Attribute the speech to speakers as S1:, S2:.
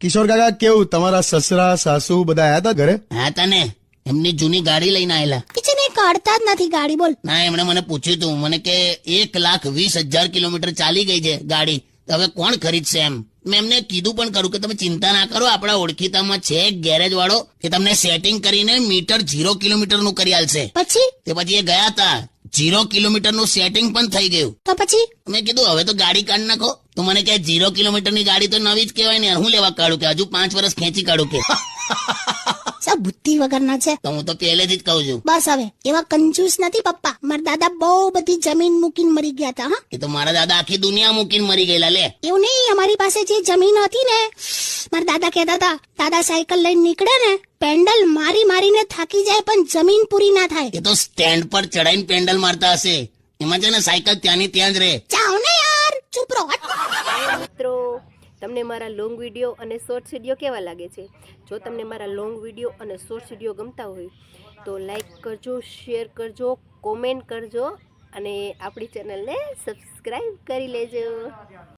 S1: કિશોર કાકા કેવું, તમારા સસરા સાસુ બધા આયા હતા ઘરે?
S2: હા તને એમની જૂની ગાડી લઈને આયેલા.
S3: કિચન એ કાઢતા જ નથી ગાડી. બોલ.
S2: ના એમણે મને પૂછ્યું તું, મને કે 1,20,000 કિલોમીટર ચાલી ગઈ છે ગાડી, તો હવે કોણ ખરીદશે એમ. મેં એમને કીધું પણ કરું કે તમે ચિંતા ના કરો, આપણા ઓળખીતામાં છે ગેરેજ વાળો કે તમને સેટિંગ કરીને મીટર 0 કિલોમીટર નું કરી આલશે.
S3: પછી
S2: એ ગયા હતા, 0 કિલોમીટર નું સેટિંગ પણ થઈ ગયું.
S3: તો પછી
S2: મેં કીધું હવે તો ગાડી કાઢી નાખો. તો મને કહે 0 કિલોમીટર ની ગાડી તો નવી જ કહેવાય ને, હું લેવા કાઢું, કે હજુ 5 વર્ષ ખેંચી કાઢું કે.
S3: સા બુદ્ધિ વગરના છે.
S2: તો હું તો પહેલેથી જ કહું છું.
S3: બસ હવે એવા કંજૂસ નથી પપ્પા. મારા દાદા બહુ બધી જમીન મૂકીને મરી ગયા હતા. હા,
S2: એ તો મારા દાદા આખી દુનિયા મૂકીને મરી ગયેલા લે.
S3: એવું નહીં, અમારી પાસે જે જમીન હતી ને, મારા દાદા કહેતા હતા, દાદા સાયકલ લઈને નીકળે ને, પેન્ડલ મારી મારીને થાકી જાય પણ જમીન પૂરી ના થાય.
S2: એ તો સ્ટેન્ડ પર ચડાઈને પેન્ડલ મારતા હશે, એમાં છે ને સાયકલ ત્યાંની ત્યાં જ રહે.
S3: જાઓ ને યાર, ચૂપ રહો.
S4: મિત્રો, તમને મારા લોંગ વિડીયો અને શોર્ટ્સ વિડીયો કેવા લાગે છે? જો તમને મારા લોંગ વિડીયો અને શોર્ટ્સ વિડીયો ગમતા હોય તો લાઈક કરજો, શેર કરજો, કોમેન્ટ કરજો અને આપણી ચેનલને સબસ્ક્રાઈબ કરી લેજો.